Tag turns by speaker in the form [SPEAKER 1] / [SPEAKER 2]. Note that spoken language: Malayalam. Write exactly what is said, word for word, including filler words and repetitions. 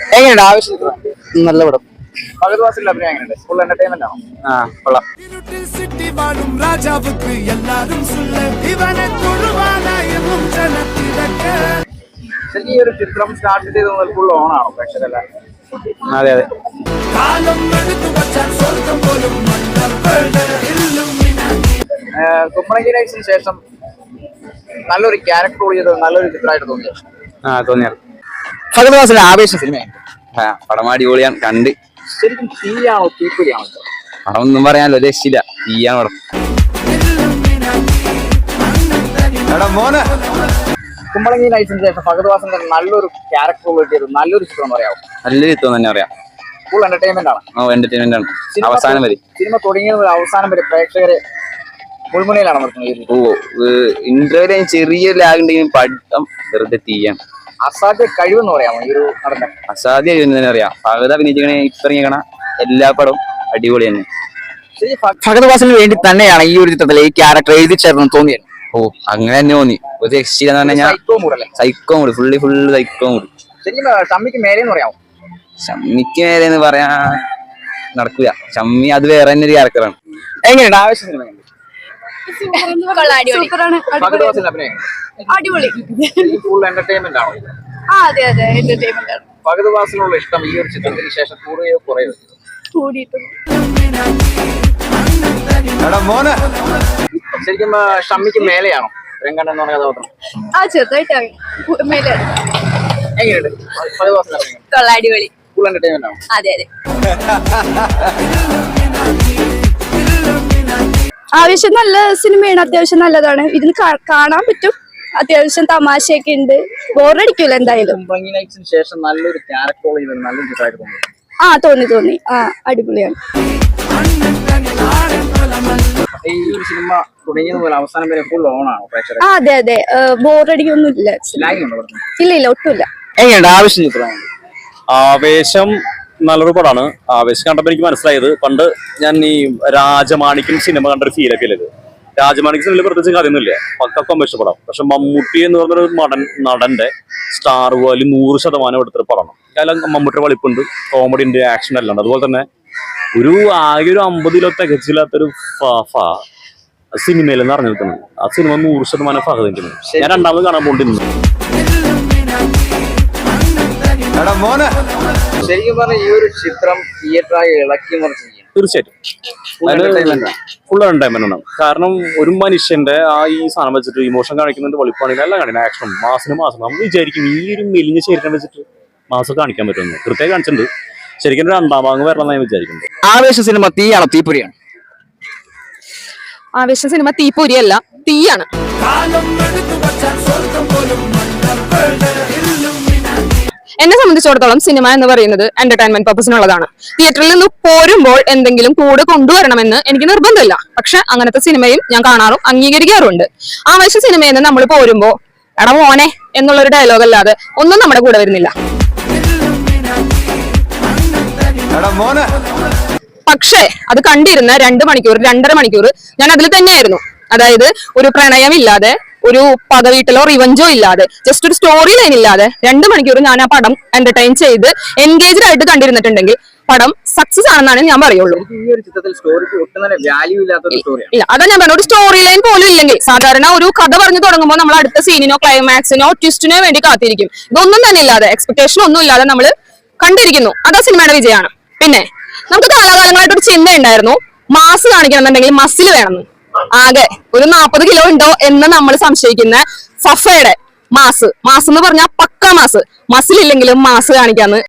[SPEAKER 1] എങ്ങനെയുണ്ട് ആവശ്യം?
[SPEAKER 2] നല്ല പടം.
[SPEAKER 1] ഫഹദ്വാസിന്റെ അഭിനയം എങ്ങനെയുണ്ട്? ഫുൾ എന്റർടൈൻമെന്റ് ആണോ?
[SPEAKER 2] ആ കൊള്ളാം.
[SPEAKER 1] ശരിക്കും ഈ ഒരു ചിത്രം സ്റ്റാർട്ട് ചെയ്ത് മുതൽ ഫുൾ ഓൺ ആണോ പ്രേക്ഷകരെല്ലാം?
[SPEAKER 2] അതെ അതെ.
[SPEAKER 1] കുമ്പളങ്ങി നൈറ്റ്സിന് ശേഷം നല്ലൊരു ക്യാരക്ടർ റോൾ ചെയ്തത് നല്ലൊരു ചിത്രമായിട്ട് തോന്നിയോ?
[SPEAKER 2] ആ തോന്നിയ.
[SPEAKER 1] ഫഹദ്വാസിന്റെ ആവേശം സിനിമ
[SPEAKER 2] പടം അടിപൊളിയാണ്. കണ്ട്
[SPEAKER 1] ശരിക്കും തീയാണോ തീപ്പൊരിയാണോ?
[SPEAKER 2] പടം ഒന്നും പറയാനല്ലോ, രക്ഷയില്ല. തീയാണ് പടം.
[SPEAKER 1] കുമ്പളങ്ങി നൈറ്റ്സിന് ശേഷം ഫഹദ്വാസിന്റെ നല്ലൊരു ക്യാരക്ടർ റോൾ ചെയ്തത് നല്ലൊരു ചിത്രം പറയാമോ?
[SPEAKER 2] നല്ലൊരു ചിത്രം തന്നെ പറയാം.
[SPEAKER 1] ഫുൾ എന്റർടൈൻമെന്റ് ആണ്.
[SPEAKER 2] ഓ എന്റർടൈൻമെന്റ് ആണ് അവസാനം വരെ.
[SPEAKER 1] സിനിമ തുടങ്ങിയത് അവസാനം വരെ പ്രേക്ഷകരെ മുൾമുനയിലാണ് നിർത്തുന്നത്.
[SPEAKER 2] ഓ ഇന്റർവ്യൂ ചെറിയ ലാഗ് ഉണ്ടെങ്കിലും പഠിത്തം വെറുതെ തീയാണ്.
[SPEAKER 1] അസാധ്യ കഴിവെന്ന് പറയാമോ ഈ ഒരു നടന്റെ?
[SPEAKER 2] അസാധ്യ തന്നെ പറയാം. ഫഹദ് അഭിനയിക്കണ ഇറങ്ങിക്കണ എല്ലാ പടവും അടിപൊളി തന്നെ.
[SPEAKER 1] ഫഹദ്വാസിന് വേണ്ടി തന്നെയാണ് ഈ ഒരു ചിത്രത്തിൽ ഈ ക്യാരക്ടർ എഴുതി ചേർന്ന് തോന്നിയത്.
[SPEAKER 2] ഓ അങ്ങനെ തന്നെ തോന്നി. ഒരു രക്ഷയില്ലെന്ന് പറഞ്ഞാൽ psycho mood, fully full psycho mood.
[SPEAKER 1] ശരിക്കും ഷമ്മിക്ക് മേലെന്ന് പറയാമോ?
[SPEAKER 2] ഷമ്മിക്ക് മേലെന്ന് പറയാ നടക്കൂല. ഷമ്മി അത് വേറെ തന്നെ ഒരു ക്യാരക്ടറാണ്.
[SPEAKER 1] എങ്ങനെയുണ്ട് ആവശ്യം സിനിമ?
[SPEAKER 3] അടിപൊളി.
[SPEAKER 1] ഫുൾ എന്റർടൈൻമെന്റ് ആണോ?
[SPEAKER 3] അതെ അതെ എന്റർടൈൻമെന്റ് ആണ്.
[SPEAKER 1] ഫഹദ്വാസിനുള്ള ഇഷ്ടം ഈ ഒരു ചിത്രത്തിന് ശേഷം കൂടുകയോ കുറയോ? ശരിക്കും ഷമ്മിക്ക് മേലെയാണോ രംഗണ്ണൻ എന്ന് പറഞ്ഞ കഥാപാത്രം?
[SPEAKER 3] ആ ചെറുതായിട്ടാണ് മേലെ.
[SPEAKER 1] എങ്ങനെയുണ്ട് ഫഹദ്വാസിന്റെ അഭിനയം?
[SPEAKER 3] കൊള്ളാം, അടിപൊളി.
[SPEAKER 1] ഫുൾ എന്റർടൈൻമെന്റ് ആണോ?
[SPEAKER 3] അതെ അതെ. ആവശ്യം നല്ല സിനിമയാണ്, അത്യാവശ്യം നല്ലതാണ്. ഇതിന് കാണാൻ പറ്റും, അത്യാവശ്യം തമാശയൊക്കെ ഉണ്ട്, ബോറടിക്കൂല എന്തായാലും.
[SPEAKER 1] കുമ്പളങ്ങി നൈറ്റ്സിന് ശേഷം നല്ലൊരു ക്യാരക്ടർ റോൾ ചെയ്തത് നല്ലൊരു ചിത്രമായിട്ട് തോന്നി.
[SPEAKER 3] ആ തോന്നി തോന്നി ആ അടിപൊളിയാണ്.
[SPEAKER 1] ഈ ഒരു സിനിമ തുടങ്ങിയത് മുതൽ അവസാനം വരെ ഫുൾ ഓൺ ആണോ പ്രേക്ഷകർ?
[SPEAKER 3] ആ അതെ അതെ. ബോറടിക്കൊന്നും ഇല്ല. ഇല്ല ഇല്ല ഒട്ടുമില്ല.
[SPEAKER 1] എങ്ങനെയുണ്ട് ആവശ്യം ചിത്രമാണ്?
[SPEAKER 4] ആവേശം നല്ലൊരു പടമാണ്. ആവേശം കണ്ടപ്പോൾ എനിക്ക് മനസ്സിലായത്, പണ്ട് ഞാൻ ഈ രാജമാണിക്യം സിനിമ കണ്ടൊരു ഫീലൊക്കെ ഇല്ലത്. രാജമാണിക്യം സിനിമയിൽ പ്രത്യേകിച്ച് കാര്യമൊന്നുമില്ല, പക്ക ഇഷ്ടപ്പെടാം. പക്ഷെ മമ്മൂട്ടി എന്ന് പറഞ്ഞൊരു നടൻ നടന്റെ സ്റ്റാർ വാല്യൂ നൂറ് ശതമാനം എടുത്തൊരു പടമാണ്. കാരണം മമ്മൂട്ടിയുടെ വളിപ്പുണ്ട്, കോമഡി ഉണ്ട്, ആക്ഷൻ എല്ലാം ഉണ്ട്. അതുപോലെ തന്നെ ഒരു ആകെ ഒരു അമ്പത് കിലോ തികച്ചില്ലാത്തൊരു സിനിമയിലെന്ന് അറിഞ്ഞു നിൽക്കുന്നത്. ആ സിനിമ നൂറ് ശതമാനം ഫഹദിന്. ഞാൻ രണ്ടാമത് കാണാൻ പോണ്ടിരുന്നു.
[SPEAKER 1] ശരിക്കും പറഞ്ഞാൽ ഈ ഒരു ചിത്രം തിയേറ്ററായി ഇളക്കി മറിച്ച്
[SPEAKER 4] തീർച്ചയായിട്ടും ഫുൾ എന്റർടൈൻമെന്റ് ആണ്. കാരണം ഒരു മനുഷ്യന്റെ ആ ഈ സാധനം വെച്ചിട്ട് ഇമോഷൻ കാണിക്കുന്നുണ്ട്, വെളിപ്പാണെങ്കിൽ എല്ലാം കാണിക്കണം. ആക്ഷനും മാസിന് മാസം നമ്മൾ വിചാരിക്കും ഈ ഒരു മെലിഞ്ഞ ശരീരം വെച്ചിട്ട് മാസം കാണിക്കാൻ പറ്റുമെന്ന്. കൃത്യമായി കാണിച്ചിട്ടുണ്ട്. ശരിക്കും രണ്ടാം ഭാഗം വരണം ഞാൻ വിചാരിക്കുന്നത്.
[SPEAKER 1] ആവേശ സിനിമ തീയാണോ തീപ്പൊരിയാണ്?
[SPEAKER 5] ആവേശ സിനിമ തീപ്പൊരിയല്ല, തീയാണ്. എന്നെ സംബന്ധിച്ചിടത്തോളം സിനിമ എന്ന് പറയുന്നത് എന്റർടൈൻമെന്റ് പർപ്പസിനുള്ളതാണ്. തിയേറ്ററിൽ നിന്ന് പോരുമ്പോൾ എന്തെങ്കിലും കൂടെ കൊണ്ടുവരണമെന്ന് എനിക്ക് നിർബന്ധമില്ല. പക്ഷെ അങ്ങനത്തെ സിനിമയും ഞാൻ കാണാറും അംഗീകരിക്കാറുണ്ട്. ആവേശ സിനിമയിൽ നിന്ന് നമ്മൾ പോരുമ്പോ എടാ മോനെ എന്നുള്ളൊരു ഡയലോഗ് അല്ലാതെ ഒന്നും നമ്മുടെ കൂടെ വരുന്നില്ല. പക്ഷേ അത് കണ്ടിരുന്ന രണ്ട് മണിക്കൂർ രണ്ടര മണിക്കൂർ ഞാൻ അതിൽ തന്നെയായിരുന്നു. അതായത് ഒരു പ്രണയമില്ലാതെ, ഒരു പകവീട്ടിലോ റിവഞ്ചോ ഇല്ലാതെ, ജസ്റ്റ് ഒരു സ്റ്റോറി ലൈൻ ഇല്ലാതെ രണ്ട് മണിക്കൂർ ഞാൻ ആ പടം എന്റർടൈൻ ചെയ്ത് എൻഗേജ്ഡ് ആയിട്ട് കണ്ടിരുന്നിട്ടുണ്ടെങ്കിൽ പടം സക്സസ് ആണെന്നാണ് ഞാൻ പറയുള്ളൂ. ഇല്ല, അതാ ഞാൻ പറഞ്ഞ ഒരു സ്റ്റോറി ലൈൻ പോലും ഇല്ലെങ്കിൽ, സാധാരണ ഒരു കഥ പറഞ്ഞു തുടങ്ങുമ്പോൾ നമ്മൾ അടുത്ത സീനിനോ ക്ലൈമാക്സിനോ ട്വിസ്റ്റിനോ വേണ്ടി കാത്തിരിക്കും. ഇതൊന്നും തന്നെ ഇല്ലാതെ, എക്സ്പെക്ടേഷൻ ഒന്നും ഇല്ലാതെ നമ്മൾ കണ്ടിരിക്കുന്നു. അതാ സിനിമയുടെ വിജയമാണ്. പിന്നെ നമുക്ക് കാലാകാലങ്ങളായിട്ടൊരു ചിന്ത ഉണ്ടായിരുന്നു, മാസ് കാണിക്കണമെന്നുണ്ടെങ്കിൽ മസിൽ വേണമെന്ന്. ആകെ ഒരു നാൽപ്പത് കിലോ ഉണ്ടോ എന്ന് നമ്മൾ സംശയിക്കുന്ന സഫയുടെ മാസ് മാസ് എന്ന് പറഞ്ഞാൽ പക്ക മാസ്, മസിൽ ഇല്ലെങ്കിലും മാസ് കാണിക്കാന്ന്